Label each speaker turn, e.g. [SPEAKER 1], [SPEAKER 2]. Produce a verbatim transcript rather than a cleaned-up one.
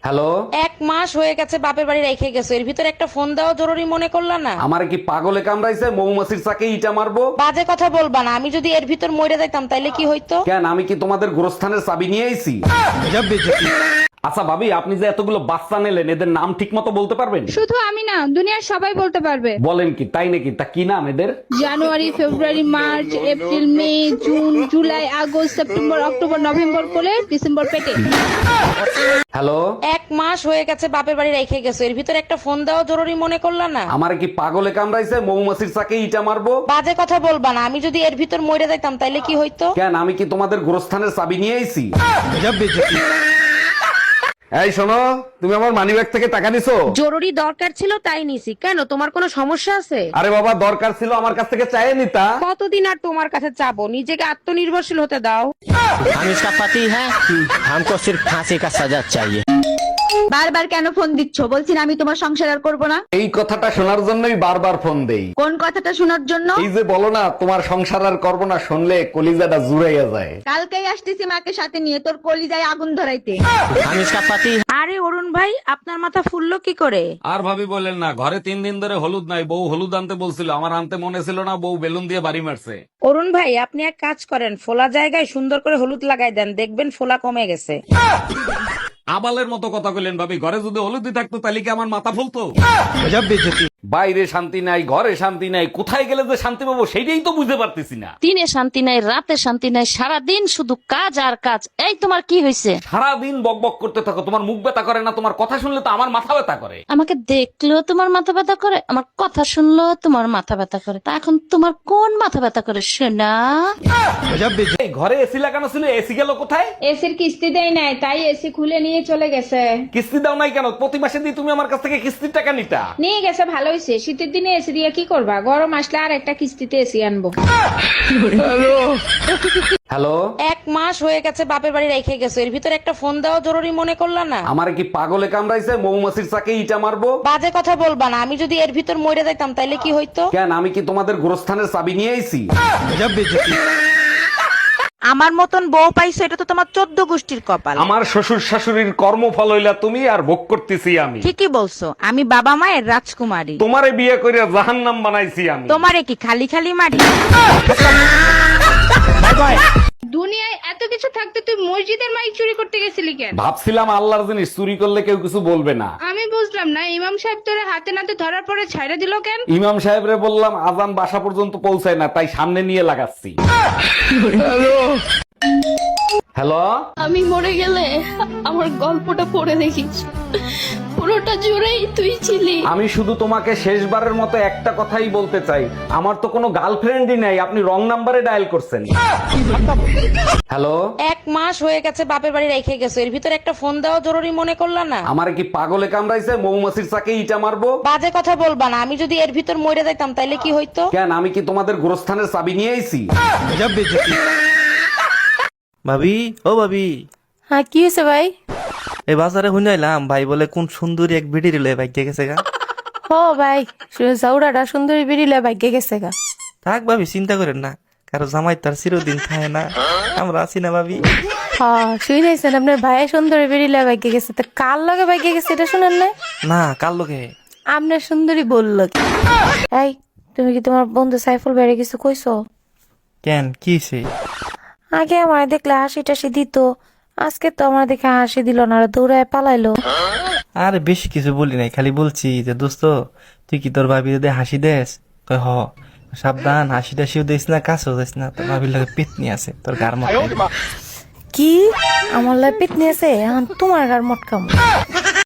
[SPEAKER 1] Hello,
[SPEAKER 2] এক মাস হয়ে গেছে বাপের বাড়ি রেখে গেছো, এর ভিতরে একটা ফোন দেওয়া জরুরি মনে করলা না?
[SPEAKER 1] আমার কি পাগলে কামড়াইছে মৌমাছির চাকে ইটা মারবো?
[SPEAKER 2] বাজে কথা বলবা না, আমি যদি এর ভিতর মরে যাইতাম তাইলে কি হইতো?
[SPEAKER 1] কেন, আমি কি তোমাদের গোরস্থানের চাবি নিয়ে আইছি? আচ্ছা ভাবি, আপনি যে এতগুলো বাচ্চা নিলেন, এদের নাম ঠিক মতো বলতে পারবেন?
[SPEAKER 3] শুধু আমি না, দুনিয়ার সবাই বলতে পারবে।
[SPEAKER 1] বলেন কি, তাই নাকি? তা কি নাম এদের?
[SPEAKER 3] January, February, March, April, May, June, July, August, September, October, November কোলে, ডিসেম্বর পেটে।
[SPEAKER 1] হ্যালো,
[SPEAKER 2] এক মাস হয়ে গেছে বাপের বাড়ি রেখে গেছো, এর ভিতরে একটা ফোন দেওয়া জরুরি মনে করলা না?
[SPEAKER 1] আমার কি পাগলে কামড়াইছে মৌমাছির চাকে ইটা মারবো?
[SPEAKER 2] বাজে কথা বলবা না, আমি যদি এর ভিতর মরে যাইতাম তাইলে কি হইতো?
[SPEAKER 1] কেন, আমি কি তোমাদের গোরস্থানের চাবি নিয়ে আইছি? এই শোনো, তুমি আমার মানিব্যাগ থেকে টাকা নিছো?
[SPEAKER 2] জরুরি দরকার ছিল তাই নিছি। কেন, তোমার কোনো সমস্যা আছে?
[SPEAKER 1] আরে বাবা, দরকার ছিল আমার কাছ থেকে চাইয়ে নিতা।
[SPEAKER 2] কতদিন আর তোমার কাছে চাবো? নিজেকে আত্মনির্ভরশীল হতে দাও।
[SPEAKER 4] हम इसका पति है, हमको सिर्फ फांसी का सजा चाहिए।
[SPEAKER 5] বারবার কেন ফোন দিচ্ছ? বলছি না আমি তোমার সংসার আর করবো না।
[SPEAKER 1] এই কথাটা শোনার জন্যই বারবার ফোন দেই।
[SPEAKER 5] কোন কথাটা শোনার জন্য?
[SPEAKER 1] এই যে বলো না তোমার সংসার আর করবো না, শুনলে কলিজাটা জুড়াইয়া যায়।
[SPEAKER 5] কালকেই আসতেছি মাকে সাথে নিয়ে তোর কলিজায় আগুন ধরাইতে।
[SPEAKER 4] हम इसका पति
[SPEAKER 2] আরে অরুণ ভাই, আপনার মাথা ফুললো কি করে?
[SPEAKER 1] আর ভাবি বলেন না, ঘরে তিন দিন ধরে হলুদ নাই। বউ হলুদ আনতে বলছিল, আমার আনতে মনে ছিল না, বউ বেলুন দিয়ে বাড়ি মারছে।
[SPEAKER 2] অরুণ ভাই, আপনি এক কাজ করেন, ফোলা জায়গায় সুন্দর করে হলুদ লাগাই দেন, দেখবেন ফোলা কমে গেছে।
[SPEAKER 1] আবালের মতো কথা কইলেন ভাবি, ঘরে যদি হলুদই থাকতো তাহলে কি আমার মাথা ফুলতো? বাইরে শান্তি নাই, ঘরে শান্তি নাই, কোথায় গেলে যে শান্তি পাবো সেটাই তো বুঝতে পারতেছি না।
[SPEAKER 6] দিনে শান্তি নাই, রাতে শান্তি নাই, সারাদিন শুধু কাজ আর কাজ। এই তোমার কি হয়েছে?
[SPEAKER 1] সারাদিন বক বক করতে থাকো, তোমার মুখ ব্যথা করে না? তোমার কথা শুনলে তো আমার মাথা ব্যথা করে।
[SPEAKER 6] আমাকে দেখলেও তোমার মাথা ব্যথা করে, আমার কথা শুনলেও তোমার মাথা ব্যথা করে। তা এখন তোমার কোন মাথা ব্যথা করে শোনা?
[SPEAKER 1] এই ঘরে এসি লাগানো ছিল, এসি গেল কোথায়?
[SPEAKER 3] এসির কিস্তি দেয় নাই, তাই এসি খুলে নিয়ে চলে গেছে।
[SPEAKER 1] কিস্তি দাও নাই কেন? প্রতি মাসে দিয়ে তুমি আমার কাছ থেকে কিস্তির টাকা নিতা।
[SPEAKER 3] নিয়ে গেছে, ভালো হয়েছে। শীতের দিনে এসি দিয়ে কি করবা? গরম আসলে আর একটা কিস্তিতে এসি আনবো।
[SPEAKER 1] হ্যালো,
[SPEAKER 2] এক মাস হয়ে গেছে বাপের বাড়ি রেখে গেছো, এর ভিতরে একটা ফোন দেওয়া জরুরি মনে করলা না?
[SPEAKER 1] আমার কি পাগলে কামড়াইছে মৌমাছির চাকে ইটা মারবো?
[SPEAKER 2] বাজে কথা বলবা না, আমি যদি এর ভিতর মরে যাইতাম তাইলে কি হইতো?
[SPEAKER 1] কেন, আমি কি তোমাদের গোরস্থানের চাবি নিয়ে আইছি?
[SPEAKER 2] আমার মতন বউ পাইছো, এটা তো তোমার চোদ্দ গোষ্ঠীর কপাল।
[SPEAKER 1] আমার শ্বশুর শাশুড়ির কর্মফল হইলা তুমি, আর ভোগ করতেছি আমি।
[SPEAKER 2] ঠিকই বলছো, আমি বাবা মায়ের রাজকুমারী।
[SPEAKER 1] তোমারে বিয়ে করে জাহান্নাম বানাইছি আমি।
[SPEAKER 2] তোমারে কি খালি খালি মারি?
[SPEAKER 3] দুনিয়ায় এত কিছু থাকতে তুই মসজিদের মাইক চুরি করতে গেছিলি কেন?
[SPEAKER 1] ভাবছিলাম আল্লাহর জিনিস চুরি করলে কেউ কিছু বলবে না।
[SPEAKER 3] আমি বুঝলাম না, ইমাম সাহেব তোরে হাতে নাতে ধরার পরে ছাইড়া দিল কেন?
[SPEAKER 1] ইমাম সাহেবরে বললাম আজান বাসা পর্যন্ত পৌঁছায় না, তাই সামনে নিয়ে লাগাচ্ছি। হ্যালো,
[SPEAKER 6] আমি মরে গেলে আমার গল্পটা পড়ে দেখিস, পুরোটা জুড়েই তুই ছিলি।
[SPEAKER 1] আমি শুধু তোমাকে শেষবারের মতো একটা কথাই বলতে চাই, আমার তো কোনো গার্লফ্রেন্ডই নাই, আপনি রং নাম্বারে ডায়াল করছেন। হ্যালো,
[SPEAKER 2] এক মাস হয়ে গেছে বাপের বাড়ি রেখে গেছো, এর ভিতরে একটা ফোন দেওয়া জরুরি মনে করলা না?
[SPEAKER 1] আমার কি পাগলে কামড়াইছে মৌমাছির চাকে ইটা মারবো?
[SPEAKER 2] বাজে কথা বলবা না, আমি যদি এর ভিতর মরে যাইতাম তাইলে কি হইতো?
[SPEAKER 1] কেন, আমি কি তোমাদের গোরস্থানের চাবি নিয়ে আইছি?
[SPEAKER 7] ভাবি, ও ভাবি,
[SPEAKER 6] হ্যাঁ কি হয়েছে ভাই?
[SPEAKER 7] এই বাজারে শুনাইলাম ভাই বলে কোন সুন্দরী এক ভিডি রিলে ভাগ্যে গেছে গা।
[SPEAKER 6] ও ভাই, জাউরাটা সুন্দরী বেরিলে ভাগ্যে গেছে গা।
[SPEAKER 7] থাক ভাবি, চিন্তা করেন না, কারো জামাই তার চিরদিন থাকে না, আমরা আছি না ভাবি।
[SPEAKER 6] হ্যাঁ শুনেছেন, আপনার ভাই সুন্দরী বেরিলে ভাগ্যে গেছে, তো কার লগে ভাগ্যে গেছে এটা শুনেন না?
[SPEAKER 7] না, কার লোকে?
[SPEAKER 6] আপনার সুন্দরী বলল কি? এই তুমি কি তোমার বন্ধু সাইফুল বাইরে কিছু কইছো?
[SPEAKER 7] কেন, কি হইছে?
[SPEAKER 6] আগে আমার দেখলে হাসি টাসি দিত, আজকে তো আমার দেখে হাসি দিল না, আর দৌড়ায় পালাইলো।
[SPEAKER 7] আরে বেশি কিছু বলি নাই, খালি বলছি যে দোস্ত তুই কি তোর ভাবি যদি হাসি দেস? কয় হ। সাবধান, হাসি টাসিও দিস না, কাছেও দিস না, তোর ভাবির লাগে পেতনি আছে তোর গার মধ্যে।
[SPEAKER 6] কি আমার লাই পিটনি আছে? এখন তোমার গার মটকাম।